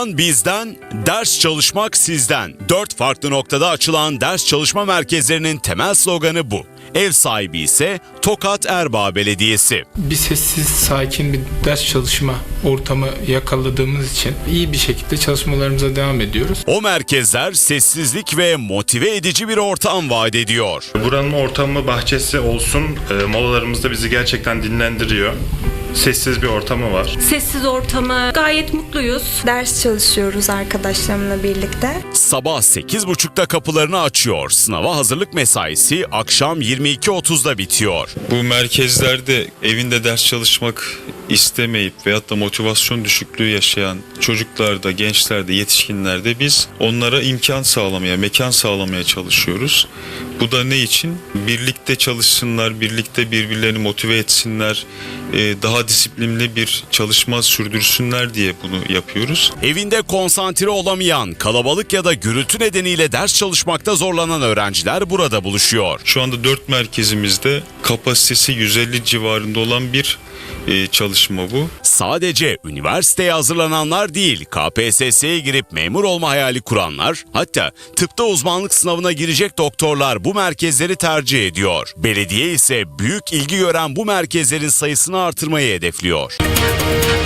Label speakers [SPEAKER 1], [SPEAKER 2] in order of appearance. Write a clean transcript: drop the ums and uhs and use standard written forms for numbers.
[SPEAKER 1] Plan bizden, ders çalışmak sizden. 4 farklı noktada açılan ders çalışma merkezlerinin temel sloganı bu. Ev sahibi ise Tokat Erbaa Belediyesi.
[SPEAKER 2] Bir sessiz, sakin bir ders çalışma ortamı yakaladığımız için iyi bir şekilde çalışmalarımıza devam ediyoruz.
[SPEAKER 1] O merkezler sessizlik ve motive edici bir ortam vaat ediyor.
[SPEAKER 3] Buranın ortamı, bahçesi olsun, molalarımızda bizi gerçekten dinlendiriyor. Sessiz bir ortamı var.
[SPEAKER 4] Sessiz ortamı, gayet mutluyuz.
[SPEAKER 5] Ders çalışıyoruz arkadaşlarımla birlikte.
[SPEAKER 1] Sabah 8.30'da kapılarını açıyor. Sınava hazırlık mesaisi akşam 22.30'da bitiyor.
[SPEAKER 6] Bu merkezlerde evinde ders çalışmak istemeyip veyahut da motivasyon düşüklüğü yaşayan çocuklarda, gençlerde, yetişkinlerde biz onlara imkan sağlamaya, mekan sağlamaya çalışıyoruz. Bu da ne için? Birlikte çalışsınlar, birlikte birbirlerini motive etsinler, daha disiplinli bir çalışma sürdürsünler diye bunu yapıyoruz.
[SPEAKER 1] Evinde konsantre olamayan, kalabalık ya da gürültü nedeniyle ders çalışmakta zorlanan öğrenciler burada buluşuyor.
[SPEAKER 6] Şu anda 4 merkezimizde kapasitesi 150 civarında olan bir çalışma bu.
[SPEAKER 1] Sadece üniversiteye hazırlananlar değil, KPSS'ye girip memur olma hayali kuranlar, hatta tıpta uzmanlık sınavına girecek doktorlar bu merkezleri tercih ediyor. Belediye ise büyük ilgi gören bu merkezlerin sayısını artırmayı hedefliyor.